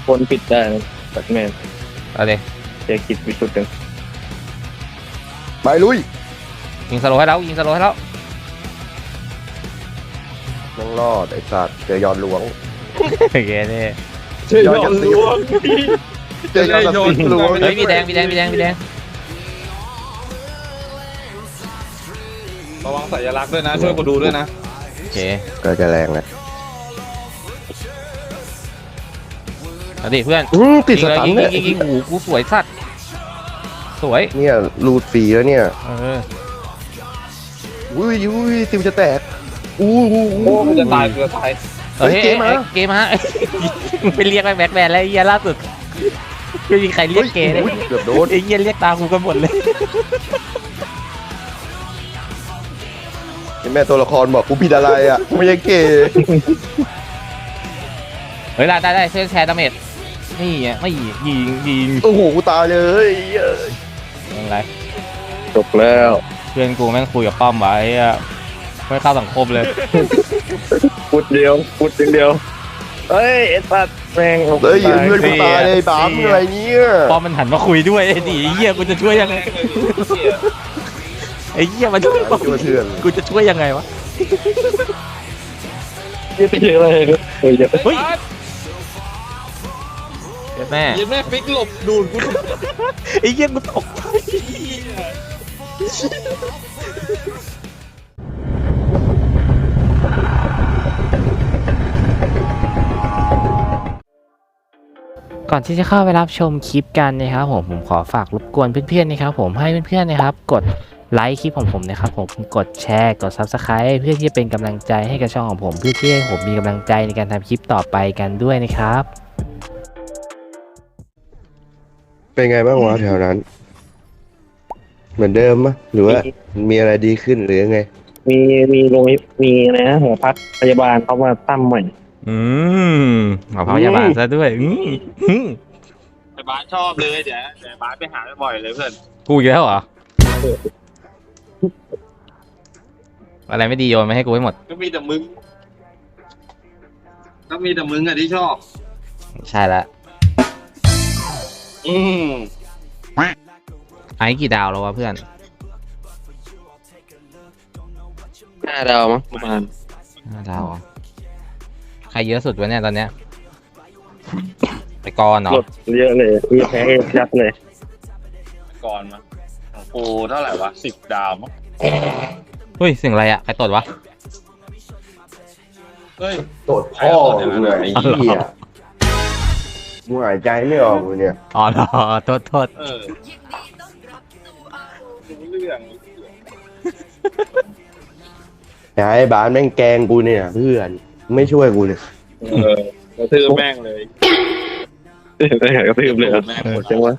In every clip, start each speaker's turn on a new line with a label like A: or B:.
A: คนปิดได้ตัดแมน
B: เอาเลย
A: เจคิดวิสุทธิ์หนึ่ง
C: ไปลุย
B: ยิงสโลว์ให้แล้วยิงสโลว์ให้แล้ว
C: ต้องรอดไอ้สัตว์เจอยอนหลวง
B: โอเคนี่
A: เจยอนหลวง
C: เจอยอนหลวง
B: เฮ้ยมีแดง
D: ระวังสัญลักษณ์ด้วยนะช่วยกูดูด้วยนะ
B: โอเค
C: ก็จะแรงเลย
B: เอาดิเพื่อน
C: ติดสตันเนี่ย
B: ยิงหูกูสวยสัตว์สวย
C: เนี่ยรูดฟรีแล้วเนี่ยอุ้ยติวจะแตก
D: โอ้มันจะตายกูจะตาย
B: เฮ้ยเกมฮะไปเรียกไปแบทแมนแล้วไอ้เหี้ยล่าสุดไม่มีใครเรียกเกย์เลย
C: เกือบโดน
B: ไอ้เหี้ยเรียกตากูกันหมดเลย
C: แม่ตัวละครบอกกูผิดอะไรอ่ะไม่ใช่เกย์
B: เฮ้ยได้ช่วยแชร์ดาเมจนี่อ่ะไม่ยิง
C: โอ้โหกูตายเลย
B: อะไร
A: จบแล้ว
B: เพื่อนกูแม่งคุยกับป้อมไว้อะไม่เข้าสังคมเลย
A: พูดเดียวเฮ้ยไอ้สัตว์แม่ง
C: เฮ้ยเพื่อนกูตายเลยบ้าอะไรเนี่ย
B: ป้อมมันหันมาคุยด้วยไอ้ดิเหี้ยกูจะช่วยยังไงไอ้เหี้ยมันช่วยกูจะช่วยยังไงวะ
A: เยอะเลยเฮ้ย
B: แม่
D: ยิงแม่ฟิกหลบดูดกู
B: ไอ้เหี้ยกูตกก่อนที่จะเข้าไปรับชมคลิปกันนะครับผมขอฝากรบกวนเพื่อนๆนะครับผมให้เพื่อนๆนะครับกดไลค์คลิปของผมนะครับผมกดแชร์กด Subscribe เพื่อที่จะเป็นกำลังใจให้กับช่องของผมเพื่อที่ให้ผมมีกำลังใจในการทำคลิปต่อไปกันด้วยนะครับ
C: เป็นไงบ้างวะแถวนั้นเหมือนเดิมมั้ยหรือว่ามีอะไรดีขึ้นหรือยังไง
A: มีโรงมีนะหอพักพยาบาลเขามาตั้งใหม่
B: หมอพยาบาลซะด้วย
D: ไอ้บ้านชอบเลยเดี๋ยวบ้านไปหาบ่อยเลยเพื่อน
B: กูอีกแล้วเหรออะไรไม่ดีโยนมาให้กูให้หมด
D: ก็มีแต่มึงอะที่ชอบ
B: ใช่ละไอ้กี่ดาวแล้ววะเพื่อน
A: 5 ดาวมั้งประมาณ
B: 5 ดาวใครเยอะสุดวะเนี่ยตอนเนี้ยไอ้กรเนาะ
A: เยอะเลยมีแพ้ยัดเลย
D: กรมั้งของกูเท่าไหร่วะ10 ดาวมั้ง
B: เฮ้ยเสียงอะไรอ่ะใครตดวะ
D: เฮ้ย
C: ตดพ่อมึงไอ้เหี้ยมึงหายใจไม่ออกเลยเนี่ย
B: อ๋อเหรอโทษ
D: เรื่อง
C: ไอ้บ้านแม่งแกงกูเนี่ยเพื่อนไม่ช่วยกูเลย
D: กระทืบแม่งเลย
A: กระทืบเลยหมดจังวะ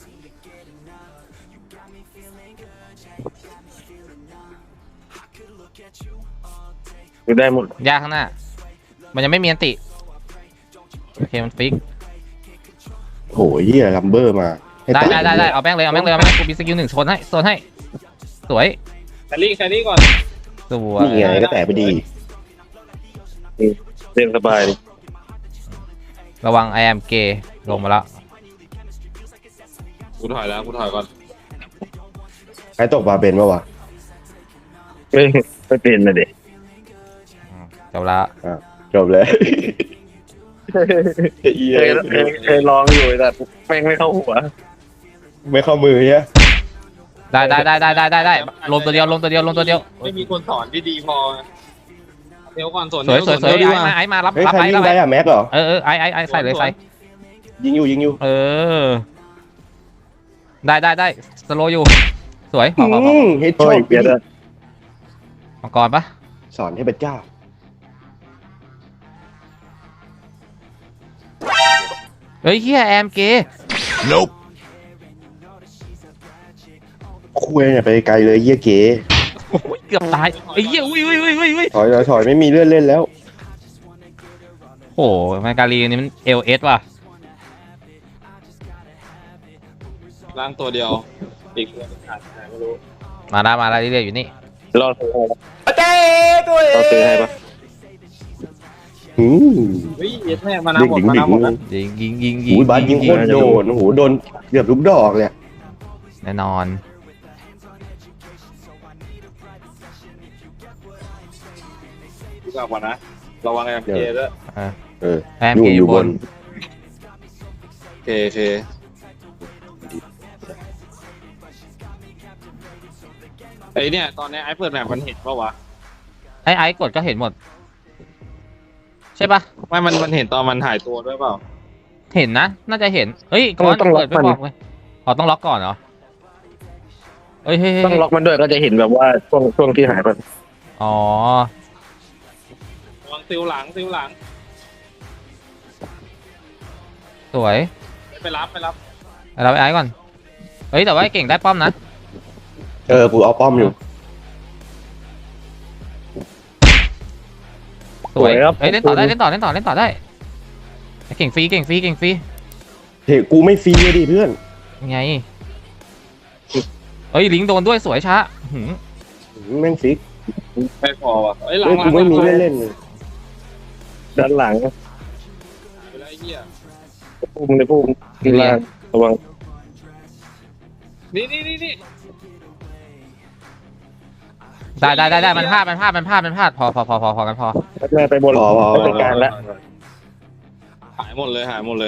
A: ดูได้หมด
B: ยากข้างหน้ามันยังไม่มีอันติโอเคมันฟิก
C: โหเหี้ยลัมเบอร์มา
B: ได้เอาแม่งเลยกูมีสกิล1โซนให้สวย
D: แครี่ก่อน
B: สวย
C: นี่ไงก็แตะไปดี
A: เล่นสบายดิ
B: ระวัง I am gay ลงมาแล้ว
D: กูถอยก่อน
C: ใครตกปลาเป็นปะวะ
A: ไม่เป็นเลยเด็ก
B: จบแล้ว
C: จบเลย
A: เคยลองอยู่แต่แม่งไม่เข้าหัว
C: ไม่เข้ามือเนี่ย
B: ได้ลงตัวเดียว
D: ไม่มีคนสอนที่ดีพอเดี๋ยวก่อนสอน
B: สวยไอ้มารับ
C: ใครยิงได้อะแม็กเหรอ
B: ไอ้ใส่เลยใส่
C: ยิงอยู่
B: ได้สโลอยู่สวย
C: พอเฮ็ดช็อตเปียด
B: มังกรปะ
C: สอนให้พระเจ้า
B: เฮ้ยเฮียแอมเกย์
C: Nope คุยเนี่ยไปไกลเลยเยี่ยเก๋
B: เกือบตายไอ้เหี้ยอุ้ย
C: ถอยไม่มีเลื่อนเล่นแล้ว
B: โอ้มาการีนี่มันLS ว่ะ
D: ร่างตัวเดียวอีกไม่รู้
B: มาแล้วเรื่อยๆอยู่นี่
A: รอซื้อให้ปะ
C: อืม
D: เฮ้ยเย็ดแม่มานาหมดมานาหมดนะ
B: ยิง
C: อุ้ยบาสยิงโคตรโดนโอ้โหโดนเกือบทุกดอกเลย
B: แน่นอน
D: ดูกลับก่อนนะระวังMKด้วย
C: เออ
B: แอมเกอยู่บน
D: โอเคไอเนี่ยตอนนี้ไอ้เปิดแมปมันเห็นปะวะ
B: ไอ้กดก็เห็นหมด ใช่ปะ
D: ไม่มันเห็นตอนมันหายตัวด้วยเปล่า
B: เห็นนะ น่าจะเห็น เฮ้ยก่อน
A: ต้องล็อ
B: เปิ
A: ก
B: ดไม่
A: มัน
B: บอกเลยอ๋อต้องล็อกก่อนเหรอเฮ้ย
A: ต้องล็อกมันด้วยก็จะเห็นแบบว่าช่วงที่หายไป
B: อ๋อ
D: ระวังติวหลัง
B: สวย
D: ไปรับ
B: เราไปไอ้ก่อน เฮ้ยแต่ว่าไอ้เก่งได้ป้อมนะ
C: เออกูเอาป้อมอยู่
B: สวย
A: ครับ
B: เฮ้ยเล่นต่อได้ไอ้เก่งฟรี
C: เฮ้ยกูไม่ฟรีเลยดิเพื่อน
B: ยังไงเฮ้ยลิงโดนด้วยสวยช้าหืม
C: แม่งฟิก
D: ไม่พอว่ะเฮ้ยหลั
C: เฮ้
D: ง
C: ยกูไม่มีเล่นเลย
A: ด้านหลัง
D: ไปแล้วไอ้เหี้ย
A: พุ่มในพุ่มข้างล่างระวัง
D: นี่
B: ได้มันพลาดพอกันพอ
A: แม่ไปบนไปกลางแล้ว
D: หายหมดเลย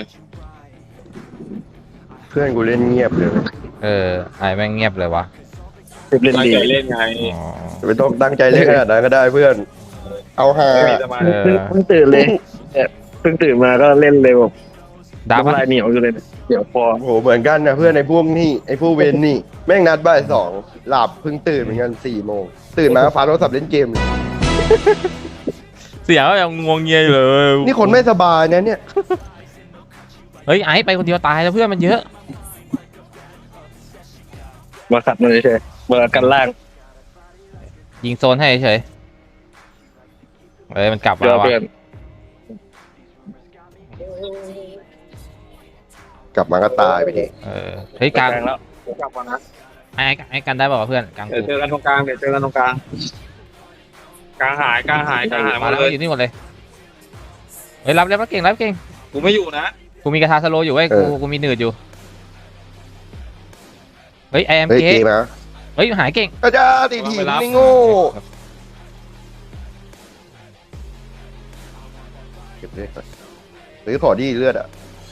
C: เพื่อนกูเล่นเงียบเลย
B: ไอ้แม่งเงียบเลยวะ
A: เล่น
D: ตั้ง
A: ดี
D: ใจเล่นไง
B: อ๋อ
C: ไม่ต้องตั้งใจเล่นขนาดนั้นก็ได้เพื่อน เอาหา
D: ไม่มีสมาธิ
A: เพิ่งตื่นเลยเพิ่งตื่นมาก็เล่นเลยแบบ
B: ดาวมัน
A: น้ำลายเหนียวอยู่เลยเดี๋ยวพอ
C: โอ้โหเหมือนกันนะเพื่อนไอ้พวกนี่ไอ้พวกเวนนี่แม่งนัดบ่าย2หลับเพิ่งตื่นเหมือนกัน4 โมงตื่นมาก็ฟ้าโทรศัพท์เล่นเกมเลย
B: เสียงก็ยังงวงเงียอยู่เลย
C: นี่คนไม่สบายนะเนี่ย
B: เฮ้ยไอ้ไปคนเดียวตายแล้วเพื่อนมันเยอะ
A: มาขัดมันเฉยๆมากันล่าง
B: ยิงโซนให้เฉยเฮ้ยมันกลับ
A: เพื่
B: มา
A: อ
B: ว่ะ
A: เพื่อน
C: กลับมาก็ตายไปดิ
B: เฮ้ยกลาง
A: แล้ว
D: กลับก่อนนะ
B: ไอ้กันได้ป่าวะเพื่อนกลาง
D: เดี๋ยวเจอกันตรงกลางกลางหายหม
B: มา
D: ด
B: แล้ว
D: เลย
B: อยู่นี่หมดเลยเฮ้ยรับเก่ง
D: กูไม่อยู่นะ
B: กูมีกระทาสโลอยู่เว้ยกูมีหนืดอยู่เฮ้ยไอเอ็ม
C: เฮ้ย
B: เค
C: เกมนะ
B: เฮ้ยหายเก่ง
C: อาจารย์ตีทีมนี่โง่เก็บเลยหรือขอดีเลือดอ่ะ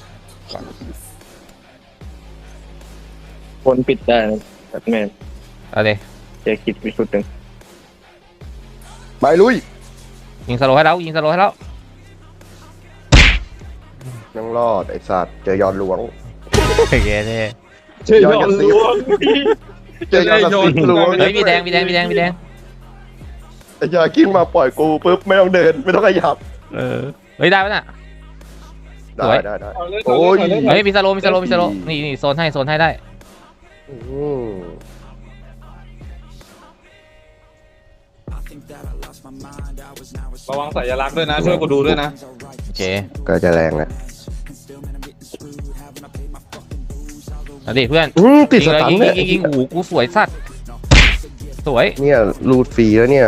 A: คนปิดได้แบบแม่
B: เอาเลย
A: เจ๊คิดไปสุดหนึ่ง
C: ไปลุย
B: ยิงสโลให้แล้ว
C: นั่งรอดไอ้สัตว์เจอยอนหลวง
B: โอเคเนี่ย
D: เชื่อยอดล้วง
C: เจอยอนกับสิงหลวง
B: เฮ้ยมีแดง
C: ไอ้ยากิ้งมาปล่อยกูปุ๊บไม่ต้องเดินไม่ต้องขยับ
B: เฮ้ยได้ปะน่ะ สวย
C: ได้
D: โอ้ย
B: เฮ้ยมีสโลนี่โซนให้ได้
C: อืม
D: ระวังสัญลักษณ์ด้วยนะช่วยกูดูด้วยนะ
B: โอเค
C: ก็จะแรงนะ
B: เอาดิเพื่อน
C: ติดสตันเนี่ย
B: ยิงหูกูสวยสัตว์สวย
C: เนี่ยรูดฟรีแล้วเนี่ย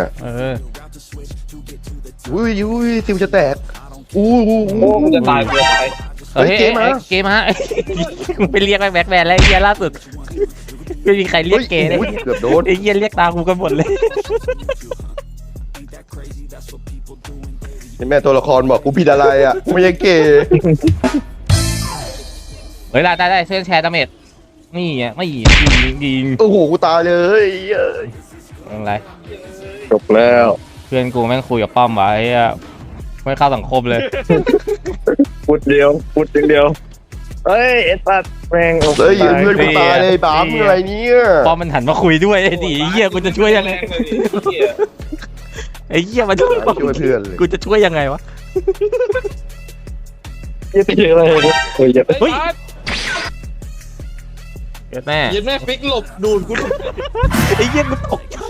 C: อุ้ยซิวจะแตกอู้
D: โอ้กูจะตาย
C: เฮ้ยเกมมา
B: เกมมามึงไปเรียกแบ็คแมนแล้วไอ้เหี้ยล่าสุดไม่มีใครเรียกเกย์เลย
C: ฮ้เกือบโดน
B: ไอ้เหี้ยเรียกตามกูกันหมดเลย
C: แม่ตัวละครบอกกูผิดอะไรอ่ะไม่ใช่เกย์
B: เฮ้ยได้เส้นแชร์ดาเมจนี่อ่ะไม่ยิง
C: โอ้โหกูตายเลย
B: อะไร
A: จบแล้ว
B: เพื่อนกูแม่งคุยกับป้อมไว้อะไม่เข้าสังคมเลย
A: พูดอย่างเดียวเฮ้ยเอ็ดปัดแม่ง
C: เฮ้ยเพื่อนกูตายเลยบ้ามอะไรเนี่ย
B: ป้อมมันหันมาคุยด้วยไอ้ดิเหี้ยกูจะช่วยยังไงไอ้เหี้ยมาช่วยป้อม
C: ช่วยเพื่อนเลย
B: กูจะช่วยยังไงวะ
A: ยืดเยอะเลยเฮ้ย
B: เฮ้ยเกิดแม่
D: ยินแม่ฟิกหลบดูดกู
B: ไอ้เหี้ยกูตกใจ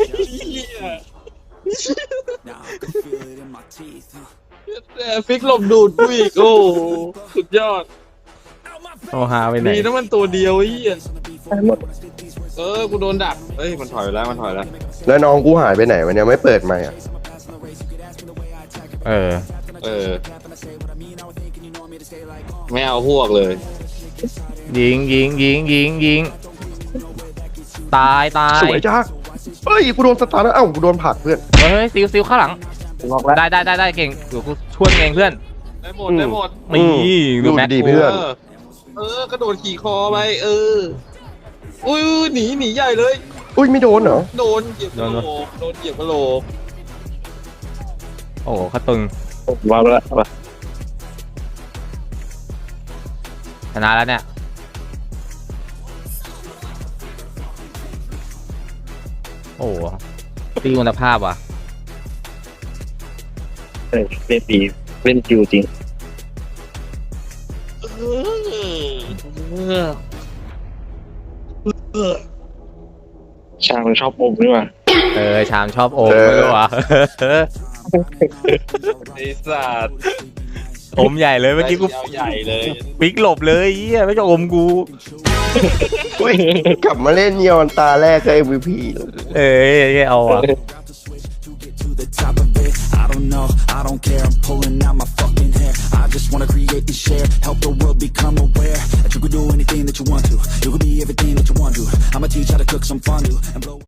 D: ฟิกหลบดูดกูอีกโอ้สุดยอด
B: โอ้หาไปไหน
D: ดีนะมันตัวเดียวไอ้เหี้ย
A: หมด
D: กูโดนดักเฮ้ยมันถอยแล้ว
C: แล้วน้องกูหายไปไหนมันยังไม่เปิดใหม่อ่ะ
D: ไม่เอาพวกเลย
B: ยิงตาย
C: สวยจ้าเฮ้ยกูโดนสตาร์แล้วเอ้ากูโดนผลักเพื่อน
B: เฮ้ยซิลข้างหลัง
A: งอกแล้ว
B: ได้เก่งเดี๋ยวกูช่วยเองเพื่อน
D: ได้หมดได้หมด
B: นี่ดูแม็ก
C: ดี
B: กู
C: เพื่อน
D: กระโดดขี่คอไปอุ้ยหนีใหญ่เลย
C: อุ้ยไม่โดนเหรอ
D: โดนเหยียบกระโหลกโดนเหยียบกระโหลก
B: โอ้โหเขาตึง
A: วางแล้ว
B: ชนะแล้วเนี่ยโอ้โหตีคุณภาพว่ะ
A: เล่นดีเล่นจิวจริงช่างมันชอบอมนี่ว่ะ
B: ชามชอบอมไม่รู้ว่ะ
D: ไอ้สัตว์
B: อมใหญ่เลยเมื่อกี้กู
D: เอาใหญ่เลย
B: ปิ๊กหลบเลยเหี้ยไม่จะอมกู
C: กลับมาเล่นเนียวันตาแรกก็ MVP
B: เอาอ่ะ
E: to the top of it. I don't know, I don't care. I'm pulling out my fucking hair. I just wanna create and share, help the world become aware that you can do anything that you want to. You can be everything that you want to. I'ma teach how to cook some fondue and blow.